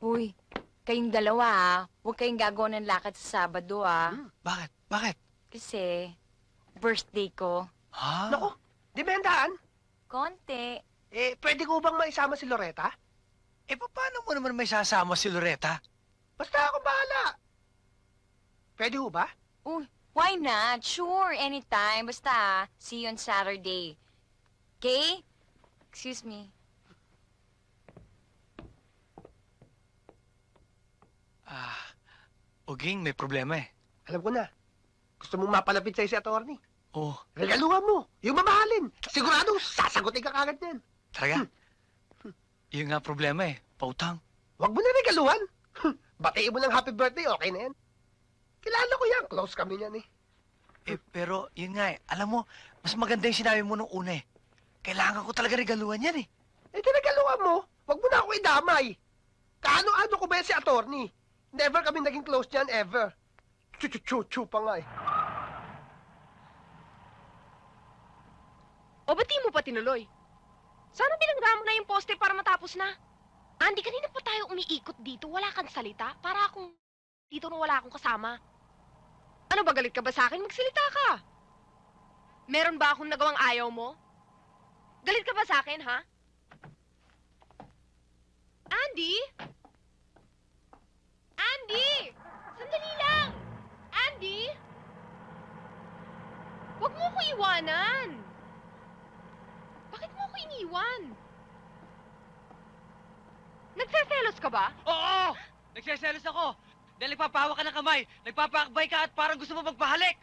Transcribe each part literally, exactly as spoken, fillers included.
Uy, kayong dalawa ah. Huwag kayong gagawa ng lakad sa Sabado ah. Hmm. Bakit? Bakit? Kasi, birthday ko. Ha? Naku, di ba handaan? Konti. Eh, pwede ko bang maisama si Loretta? Eh, paano mo naman may sasama si Loretta? Basta ako bahala. Pwede ho ba? Uy, why not? Sure, anytime. Basta ah, see you on Saturday. Okay? Excuse me. Ah, Uging, may problema eh. Alam ko na. Gusto mong mapalapit sa'yo si attorney. Oh, Regaluhan mo. Yung mamahalin. Sigurado, sasagutin ka kagad yan. talaga? Yun nga problema eh, pautang. Huwag mo na regaluhan. Batiin mo ng happy birthday, okay na yan. Kilala ko yan. Close kami yan eh. Eh, pero yun nga eh, alam mo, mas maganda yung sinabi mo nung una eh. Kailangan ko talaga regaluhan yan eh. Eh, regaluhan mo. Huwag mo na ako idamay. Kaano-ano ko ba yan si attorney? Never kami naging close niyan, ever. Chu-chu-chu-chu pa nga eh. O ba't di mo pa tinuloy? Sana binangga mo na yung poste para matapos na. Andy, kanina pa tayo umiikot dito. Wala kang salita. Para akong dito nung wala akong kasama. Ano ba, galit ka ba sa akin? Magsalita ka. Meron ba akong nagawang ayaw mo? Galit ka ba sa akin, ha? Andy? Andy! Sandali lang! Andy! Huwag mo ko iwanan! Bakit mo ako iniwan? Nagseselos ka ba? Oo! Nagseselos ako! Dahil nagpapahawa ka ng kamay, nagpapakbay ka at parang gusto mo magpahalik!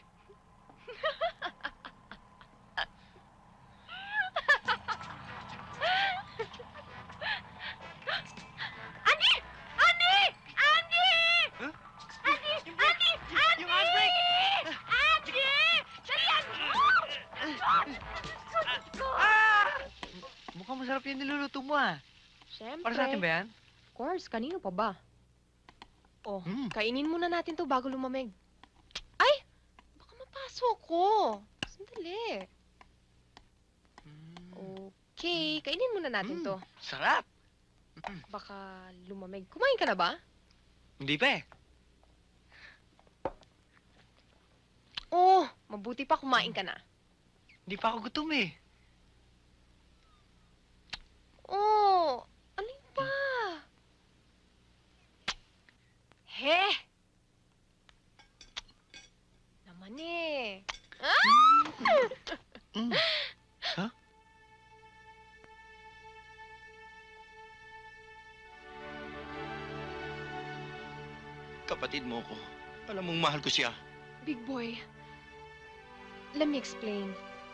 Andy! Andy! Andy! Huh? Andy! Yung Andy! brake! Andy! Yung handbrake! Andy! Dalian mo! Ah! Mukhang masarap yung niluluto mo ah. Siyempre. Para sa atin ba yan? Of course, kanino pa ba? Oh, Hmm. kainin muna natin to bago lumamig. Ay! Baka mapasok ko. Sandali. Okay, kainin muna natin Mm. to. Sarap! Baka lumamig. Kumain ka na ba? Hindi pa eh. Oh, mabuti pa kumain ka na. Hindi pa ako gutom eh. Oh, alin pa? He! Naman eh. Ah! Mm. Ha? Kapatid mo ko. Alam mong mahal ko siya. Big boy, let me explain.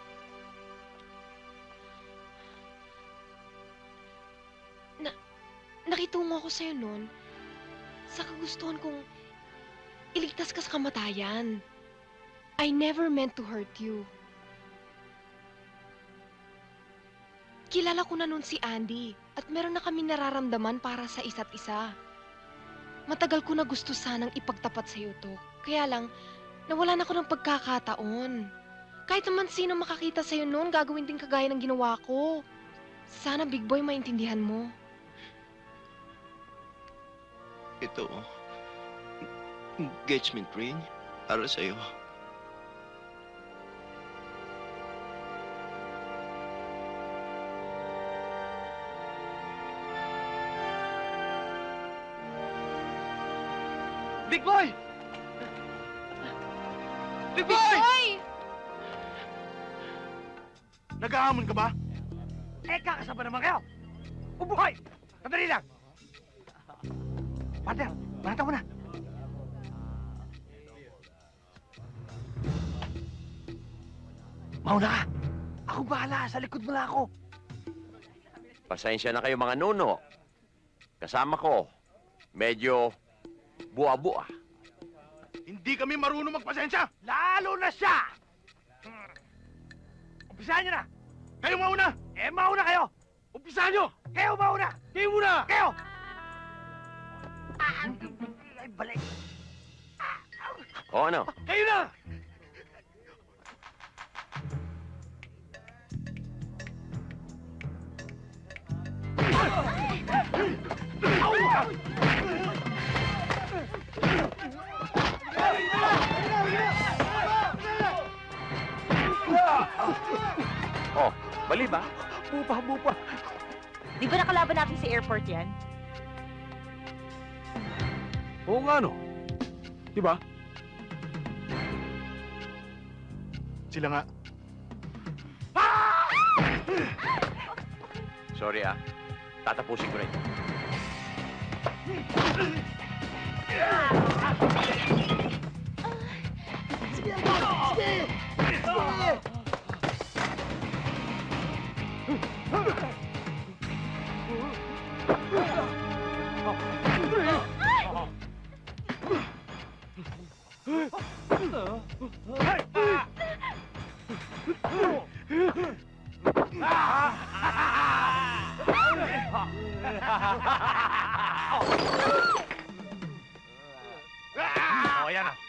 Na, nakitungo ako sa'yo noon sa kagustuhan kong iligtas ka sa kamatayan. I never meant to hurt you. Kilala ko na noon si Andy at meron na kami nararamdaman para sa isa't isa. Matagal ko na gusto sanang ipagtapat sa'yo to. Kaya lang, nawalan ako ng pagkakataon. Kahit naman sino makakita sa'yo noon, gagawin din kagaya ng ginawa ko. Sana, Big Boy, maintindihan mo. Ito, engagement ring para sa'yo. Big Boy! Big Big Boy! Boy! Nag-aamon ka ba? Eh, kakasama naman kayo! Ubuhay! Sandali lang! Partner, barata mo na! Mauna ka! Ako bahala! Sa likod mo lang ako! Pasensya na kayo mga nuno. Kasama ko, medyo buwa-buwa. Hindi kami marunong magpasensya. Lalo na siya! Hmm. Umpisahan niyo na! Kayo mauna. Eh, mauna kayo! Umpisahan nyo. Kayo mauna! Kayo muna. Kayo! Ay, balik! O ano? Kayo na. Au! Oh, mali ba? Bupa, bupa. Di ba nakalaban natin sa airport yan? Oo nga, no? Diba? Sila nga. Sorry ah. Tatapusin ko na ito. O, yan na.